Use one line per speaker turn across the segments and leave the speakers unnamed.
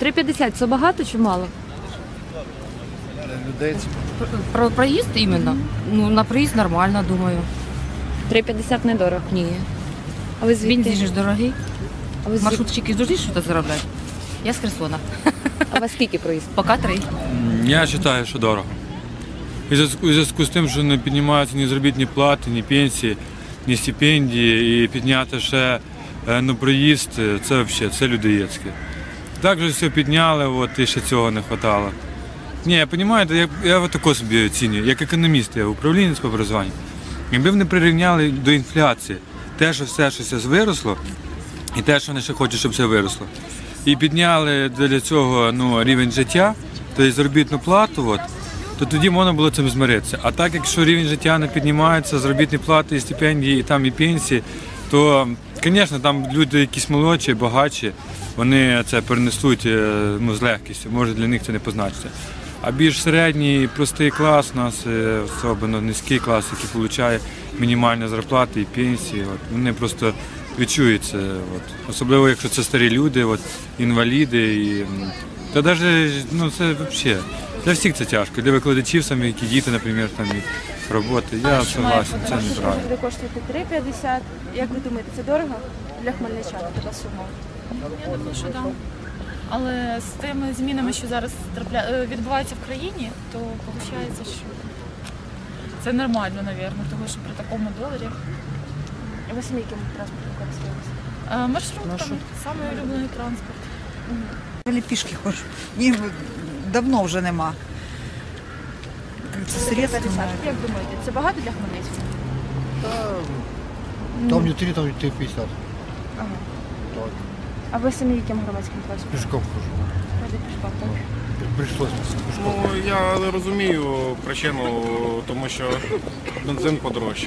3,50 – це багато чи мало?
Людей
Про проїзд іменно? Ну, на проїзд нормально, думаю.
3,50 недорого.
Ні.
А ви звідки?
Бензин же ж дорогий.
А ви звідки?
Маршрутчики дуже щось заробляють. Я з Херсона.
А у вас скільки проїзд?
Поки 3.
Я вважаю, що дорого. У зв'язку з тим, що не піднімаються ні заробітні плати, ні пенсії, ні стипендії, і підняти ще проїзд, це взагалі, це людоєцьке. Так же все підняли, от, і ще цього не вистачало. Ні, розумієте, я тако собі оцінюю, як економіст, я управлінець по образуванню. Якби вони прирівняли до інфляції те, що все щось виросло, і те, що вони ще хочуть, щоб все виросло, і підняли для цього рівень життя, тобто заробітну плату, то тоді можна було цим змиритися. А так, якщо рівень життя не піднімається, заробітні плати, і стипендії, і пенсії, то, звісно, там люди якісь молодші, багатші, вони це перенесуть з легкістю, може для них це не позначиться. А більш середній, простий клас, у нас особливо низький клас, який отримує мінімальні зарплати і пенсії, вони просто відчують це. Особливо, якщо це старі люди, інваліди. Та навіть, це взагалі, для всіх це тяжко. Для викладачів, самі, які діти, наприклад, і роботи. Я согласен, це неправильно.
Буде коштувати 3,50. Як ви думаєте, це дорого для хмельничан така сума?
Я думаю, що так. Але з тими змінами, що зараз відбуваються в країні, то виходить, що це нормально, мабуть, тому що при такому доларі.
А ви самі яким транспортом користуєтеся?
Маршрутками, саме улюблений транспорт.
Я пішки ходжу. Ні, давно вже нема. Це
3,50.
средства.
Як думаєте, це багато для Хмельницького?
там не 3, там 3,50.
Ага. А ви самі яким громадським транспортом?
Пішком хожу.
Ходите пішком, так?
Прийшлося пішком.
Ну, я розумію причину, тому що бензин подорожчав.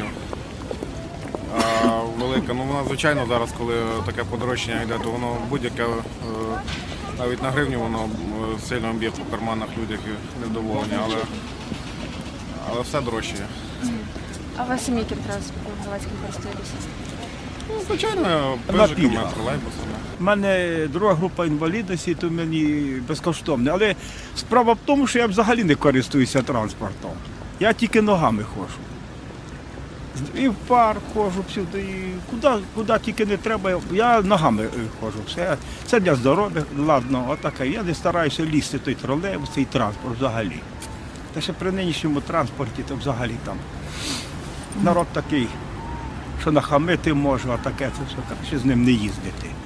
А велика, вона звичайно зараз, коли таке подорожчання йде, то воно будь-яке, навіть на гривню, воно сильно б'є по карманах людях і невдоволення, але все дорожчає.
А ви самі яким транспортом громадським користуєтеся?
Ну, звичайно, пежиками, тролейбусами.
У мене друга група інвалідності, то мені безкоштовне. Але справа в тому, що я взагалі не користуюся транспортом. Я тільки ногами ходжу. І в парк ходжу всюди, і куди тільки не треба, я ногами ходжу. Це для здоров'я, ладно, отаке. Я не стараюся лізти в той тролейбус, цей транспорт взагалі. Та ще при нинішньому транспорті, то взагалі там народ такий, що нахамити можу, а таке, це все краще з ним не їздити.